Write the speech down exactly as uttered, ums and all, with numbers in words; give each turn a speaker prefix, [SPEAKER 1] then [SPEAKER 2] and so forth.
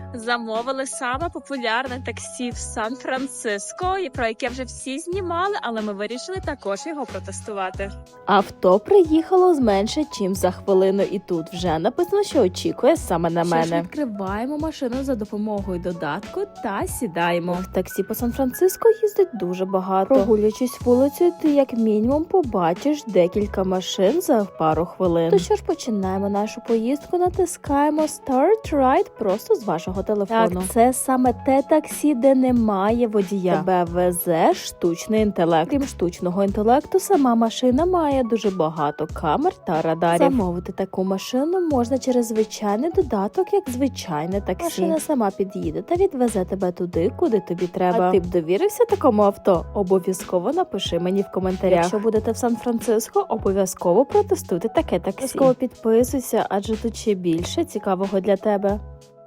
[SPEAKER 1] Замовили саме популярне таксі в Сан-Франциско, і про яке вже всі знімали, але ми вирішили також його протестувати.
[SPEAKER 2] Авто приїхало з менше, чим за хвилину, і тут вже написано, що очікує саме на мене. Що ж, відкриваємо машину за допомогою додатку та сідаємо. В таксі по Сан-Франциско їздить дуже багато. Прогулюючись вулицею, ти як мінімум побачиш декілька машин за пару хвилин. То що ж, починаємо нашу поїздку, натискаємо Start Ride просто з вашого телефону. Так, це саме те таксі, де немає водія. Тебе везе штучний інтелект. Крім штучного інтелекту, сама машина має дуже багато камер та радарів. Замовити таку машину можна через звичайний додаток, як звичайне таксі. Машина сама під'їде та відвезе тебе туди, куди тобі треба. А ти б довірився такому авто? Обов'язково напиши мені в коментарях. Якщо будете в Сан-Франциско, обов'язково протестуйте таке таксі. Обов'язково підписуйся, адже тут ще більше цікавого для тебе.